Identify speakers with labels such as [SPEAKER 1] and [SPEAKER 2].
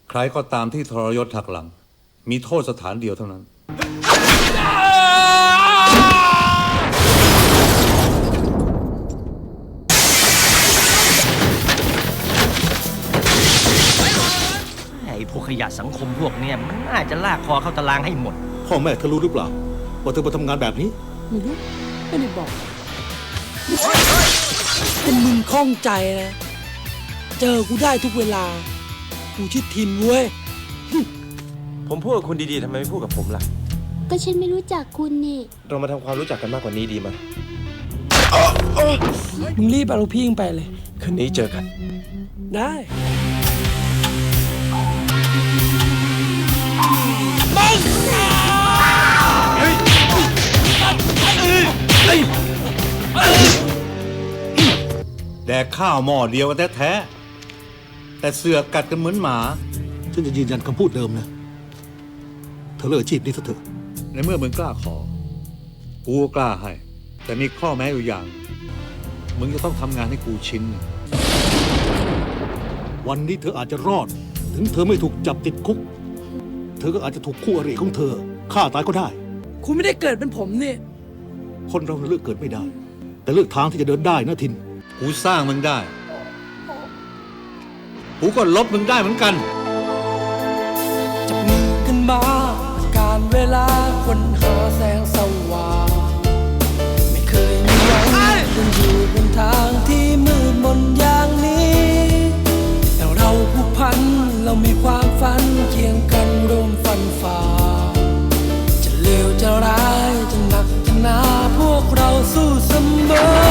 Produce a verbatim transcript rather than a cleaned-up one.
[SPEAKER 1] ใครก็ตามที่ทรยศหักหลังมีโทษสถานเดียวเท่านั้น
[SPEAKER 2] ไอ้พวกขยะสังคมพวกเนี้ยมันน่าจะลากคอเข้าตารางให้หมด
[SPEAKER 3] พ่อแม่เธอรู้หรือเปล่าว่าเธอมาทำงานแบบนี้
[SPEAKER 4] ไม่รู้ไม่ได้บอกแต่มึงคล่องใจนะเจอกูได้ทุกเวลากูชื่อทินเว้ย
[SPEAKER 5] ผมพูดกับคุณดีๆทำไมไม่พูดกับผมล่ะ
[SPEAKER 6] ก็ฉันไม่รู้จักคุณนี่
[SPEAKER 5] เรามาทำความรู้จักกันมากกว่านี้ดีไหม
[SPEAKER 4] มึงรีบเอาลูกพี่ไปเลย
[SPEAKER 5] คืนนี้เจอกัน
[SPEAKER 4] ได้
[SPEAKER 1] แดกข้าวหม้อเดียวกันแท้ๆแต่เสือกกัดกันเหมือนหมา
[SPEAKER 3] ฉันจะยืนยันคำพูดเดิมนะเธอเลิกอาชีพนี้ซะเถอะ
[SPEAKER 1] ในเมื่อมึงกล้าขอกูก็กล้าให้แต่มีข้อแม้อยู่อย่างมึงจะต้องทำงานให้กูชิ้น
[SPEAKER 3] วันนี้เธออาจจะรอดถึงเธอไม่ถูกจับติดคุกเธอก็อาจจะถูกคู่อริของเธอฆ่าตายก็ได้
[SPEAKER 4] คุณไม่ได้เกิดเป็นผมนี่
[SPEAKER 3] คนเราเลือกเกิดไม่ได้แต่เลือกทางที่จะเดินได้นะทิน
[SPEAKER 1] กูสร้างมึงได้กูก็ลบมึงได้เหมือนกัน
[SPEAKER 4] จับมือกันมาการเวลาคนหาแสงสว่างไม่เคยมีหวังยังอยู่บนทางที่มืดมนอย่างนี้แต่เราผูกพันเรามีความฝันเคียงกันร่วมฟันฝ่าจะเลวจะร้ายจะหนักจะหนาพวกเราสู้เสมอ